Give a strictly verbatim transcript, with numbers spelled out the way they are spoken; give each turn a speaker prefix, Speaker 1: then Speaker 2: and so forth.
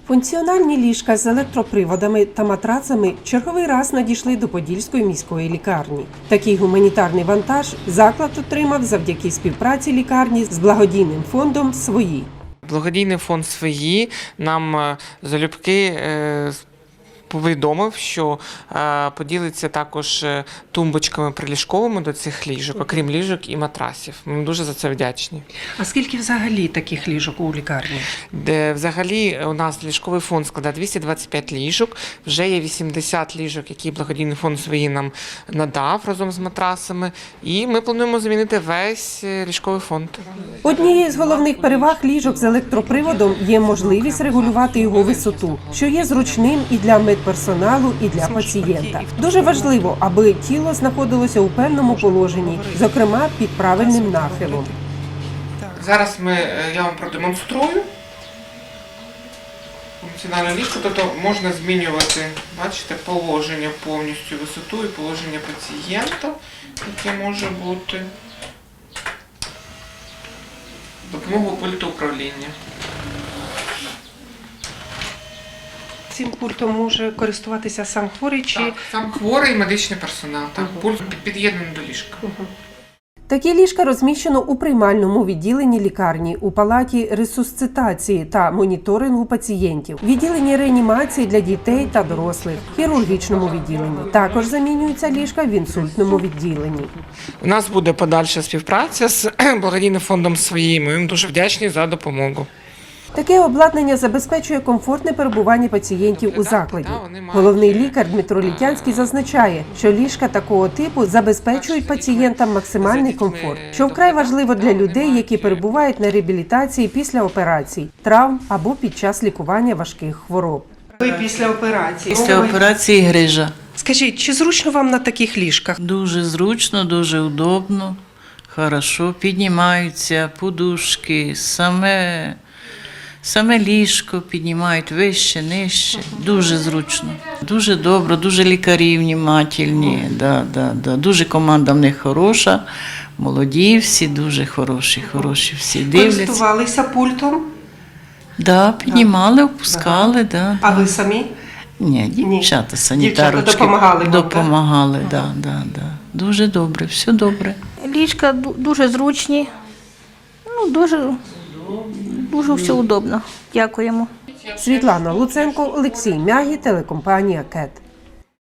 Speaker 1: Функціональні ліжка з електроприводами та матрацами черговий раз надійшли до Подільської міської лікарні. Такий гуманітарний вантаж заклад отримав завдяки співпраці лікарні з благодійним фондом «Свої».
Speaker 2: Благодійний фонд «Свої» нам залюбки повідомив, що поділиться також тумбочками приліжковими до цих ліжок, окрім ліжок і матрасів. Ми дуже за це вдячні.
Speaker 1: А скільки взагалі таких ліжок у лікарні?
Speaker 2: Де взагалі у нас ліжковий фонд складає двісті двадцять п'ять ліжок, вже є вісімдесят ліжок, які благодійний фонд «Свої» нам надав разом з матрасами, і ми плануємо замінити весь ліжковий фонд.
Speaker 1: Однією з головних переваг ліжок з електроприводом є можливість регулювати його висоту, що є зручним і для медперсоналу, і для пацієнта. Дуже важливо, аби тіло знаходилося у певному положенні, зокрема під правильним нахилом.
Speaker 2: Зараз ми, я вам продемонструю функціональне ліжко, тобто можна змінювати, бачите, положення повністю, висоту і положення пацієнта, яке може бути допомогою пульту управління.
Speaker 1: Цим пультом може користуватися сам хворий чи…
Speaker 2: Так, сам хворий і медичний персонал. Так, угу. Пульт під'єднаний до ліжка.
Speaker 1: Угу. Такі ліжка розміщено у приймальному відділенні лікарні, у палаті ресусцитації та моніторингу пацієнтів, відділенні реанімації для дітей та дорослих, хірургічному відділенні. Також замінюються ліжка в інсультному відділенні.
Speaker 2: У нас буде подальша співпраця з благодійним фондом «Свої». Ми їм дуже вдячні за допомогу.
Speaker 1: Таке обладнання забезпечує комфортне перебування пацієнтів у закладі. Головний лікар Дмитро Літянський зазначає, що ліжка такого типу забезпечують пацієнтам максимальний комфорт, що вкрай важливо для людей, які перебувають на реабілітації після операцій, травм або під час лікування важких хвороб. Ви після операції?
Speaker 3: Після операції грижа.
Speaker 1: Скажіть, чи зручно вам на таких ліжках?
Speaker 3: Дуже зручно, дуже удобно, хорошо, піднімаються подушки, саме... Саме ліжко піднімають вище, нижче. Дуже зручно. Дуже добре, дуже лікарі внімательні. Да, да, да. Дуже команда в них хороша, молоді всі, дуже хороші, хороші всі. Дивляться.
Speaker 1: Користувалися пультом?
Speaker 3: Да, піднімали, опускали. Да,
Speaker 1: а
Speaker 3: да.
Speaker 1: ви самі?
Speaker 3: Ні, дівчата, санітарочки.
Speaker 1: Дівчата допомагали вам,
Speaker 3: допомагали, так? Да, да, да. Дуже добре, все добре.
Speaker 4: Ліжка дуже зручні, ну, дуже... Дуже все удобно. Дякуємо.
Speaker 1: Світлана Луценко, Олексій Мягі, телекомпанія «Кет».